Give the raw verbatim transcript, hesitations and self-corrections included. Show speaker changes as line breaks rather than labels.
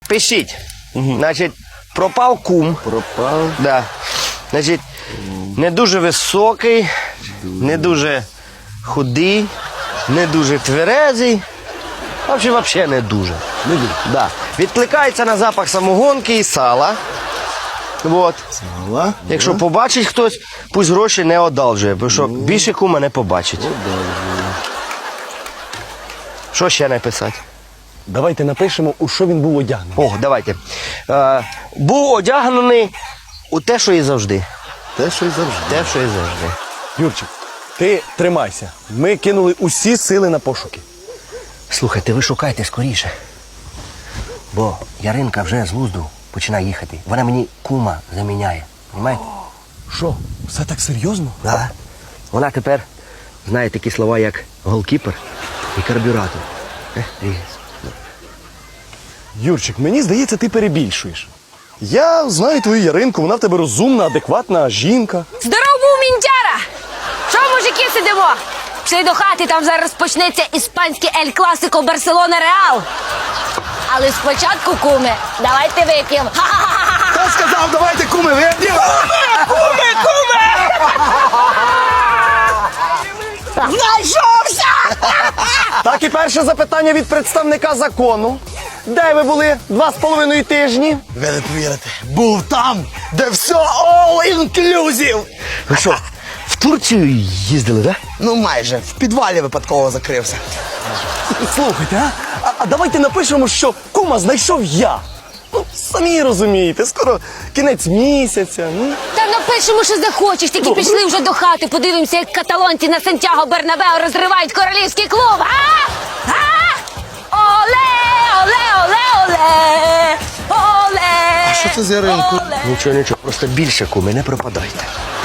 Пишіть. Значить, пропав кум.
Пропав.
Да. Значить, не дуже високий, не дуже худий, не дуже тверезий. Взагалі, взагалі не дуже.
Не дуже.
Да. Відкликається на запах самогонки і сала. Вот.
Сала.
Якщо побачить хтось, пусть гроші не одалжує, бо що більше кума не побачить. Що ще написати?
Давайте напишемо, у що він був одягнений.
О, давайте. Е, був одягнений у те, що і завжди.
Те, що й завжди.
Те, що і завжди.
Юрчик, ти тримайся. Ми кинули усі сили на пошуки.
Слухайте, ви шукайте скоріше. Бо Яринка вже з глузду починає їхати. Вона мені кума заміняє. Понимаєте?
Що, все так серйозно?
Да. Вона тепер знає такі слова, як голкіпер і карбюратор. Е, дивіться.
Юрчик, мені здається, ти перебільшуєш. Я знаю твою Яринку, вона в тебе розумна, адекватна жінка.
Здоров був, мінтяра! Що, мужики, сидимо? Пішли до хати, там зараз почнеться іспанське Ель Класико Барселона Реал. Але спочатку, куми, давайте вип'ємо.
Хто сказав, давайте куми вип'ємо?
Куми, куми! Знайшовся!
Так і перше запитання від представника закону. Де ви були два з половиною тижні?
Ви не повірите, був там, де все all inclusive.
Ви що, в Турцію їздили, так?
Ну майже, в підвалі випадково закрився.
Слухайте, а? а? А давайте напишемо, що кума знайшов я. Ну, самі розумієте, скоро кінець місяця. Ну.
Та напишемо, що захочеш, тільки пішли вже до хати, подивимося, як каталонці на Сантьяго Бернабео розривають королівський клуб, а? А? Оле, оле, оле, оле, оле.
А що це з Яринкою?
Оле.
Нічого, нічого, просто більше куми, не пропадайте.